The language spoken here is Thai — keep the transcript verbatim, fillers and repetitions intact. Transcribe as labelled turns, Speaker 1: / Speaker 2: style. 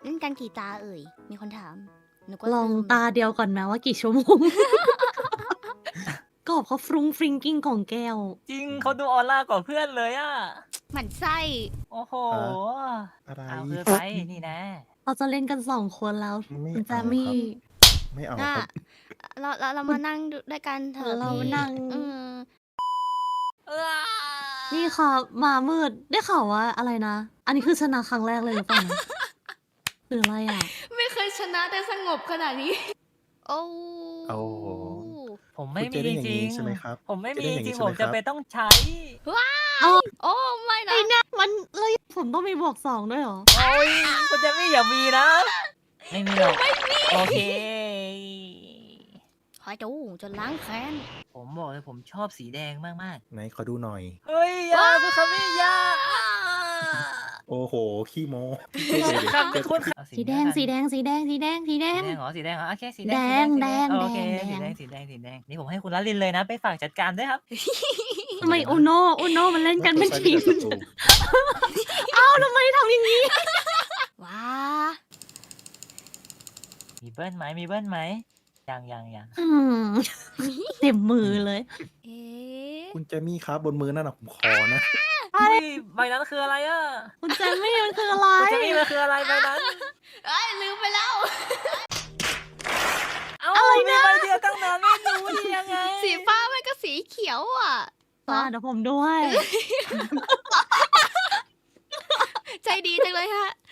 Speaker 1: เล่นกันกี่ตาเอ่ย มีคนถาม หนูก็
Speaker 2: ลอง
Speaker 1: ลืม
Speaker 2: ตาเดียวก่อนนะว่ากี่ชั่วโมง กอบเขาฟรุ้งฟริงกิ้งของแก้ว
Speaker 3: จริงเขาดูออร่ากว่าเพื่อนเลยอะ
Speaker 1: หมั่นไส้
Speaker 3: โอ้โห
Speaker 4: อะไร
Speaker 3: เอาคือไปนี่นะ
Speaker 2: เราจะเล่นกันสองคนแล้ว
Speaker 4: ไม่
Speaker 2: คุณแจ
Speaker 4: เอา
Speaker 2: มี่
Speaker 4: ครับ ไม่เอา
Speaker 1: น่ะ
Speaker 4: ครับ
Speaker 1: เราเราเรามานั่งดูด้วยกันเถอะ
Speaker 2: เรา
Speaker 1: พี่
Speaker 2: นั่ง
Speaker 1: เออ
Speaker 2: นี่ค่ะมามืดได้ข่าวว่าอะไรนะ อันนี้คือชนะครั้งแรกเลยหรือเปล่านะ หรืออะไรอ่ะ
Speaker 1: ไม่เคยชนะได้สงบขนาดนี้ โอ้
Speaker 4: โอ้โห
Speaker 3: ผมไม่
Speaker 4: คุณ
Speaker 3: มี
Speaker 4: จะเล่นอย่าง
Speaker 3: จริ
Speaker 4: นี้
Speaker 3: ง
Speaker 4: ใช่ไหมครับ
Speaker 3: ผมไม่
Speaker 4: จะ
Speaker 3: มี
Speaker 4: เล่นอย่าง
Speaker 3: จริ
Speaker 4: นี้
Speaker 3: ง
Speaker 4: ใช่
Speaker 3: ผ
Speaker 4: ไห
Speaker 3: ม
Speaker 4: มค
Speaker 3: จะ
Speaker 4: รับ
Speaker 3: ไปต้องใช้
Speaker 2: เอ้า
Speaker 1: โอ้ไม่นะ
Speaker 2: ไอ้เนี่ยมันเลยผมต้องมีบวกสองด้วยเหรอ
Speaker 3: โอ้ยคุณจะไม่อย่ามีนะ ไม่มีหรอกโอเค
Speaker 1: ขอดูจนล้างแค้น
Speaker 3: ผมบอกเลยผมชอบสีแดงมาก
Speaker 4: ไหนขอดูหน่อย
Speaker 3: ๆ เฮ้ยอยาคุณคามิยา
Speaker 4: โอ้โห ขี้โม้
Speaker 3: คุณคามิคุณคา
Speaker 2: สีแดง สีแดง สีแดง สีแดง สีแด
Speaker 3: สี
Speaker 2: ง
Speaker 3: แดงเหรอสีแดงเหรอโอเคสีแด
Speaker 2: แด
Speaker 3: ง
Speaker 2: ง
Speaker 3: สี
Speaker 2: แดง
Speaker 3: โอเค
Speaker 2: แดง
Speaker 3: สีแดงสีแดงสีแดงนี่ผมให้คุณลลินเลยนะ ไปฝากจัดการด้วยครับ
Speaker 2: ทำไมอุโนอุโนมันเล่นกันเป็นทีม
Speaker 4: ศัตรู
Speaker 2: เอ้าทำไมทำอย่างนี้
Speaker 1: ว้า
Speaker 3: มีเบิ้ลไหมมีเบิ้ลไหมยังยังยัง
Speaker 2: อืมเต็มมือเลย
Speaker 1: เอ๊ะ
Speaker 4: คุณเจมี่ครับบนมือนั่นน่ะผมขอนะ
Speaker 3: เฮ้ยใบนั้นคืออะไรอ่ะ
Speaker 2: คุณแจมี่มันคืออะไร
Speaker 3: คุณจะมีมันคืออะไรใบนั้น
Speaker 1: เอ้ยลืมไปแล้ว
Speaker 3: เอ้ามีใบเดียวตั้งนานไม่รู้ได้ยังไง
Speaker 1: สีฟ้ามันก็สีเขียวอ่ะ
Speaker 2: มาเดี๋ยวผมด้วย
Speaker 1: ใจดีจังเลยฮะ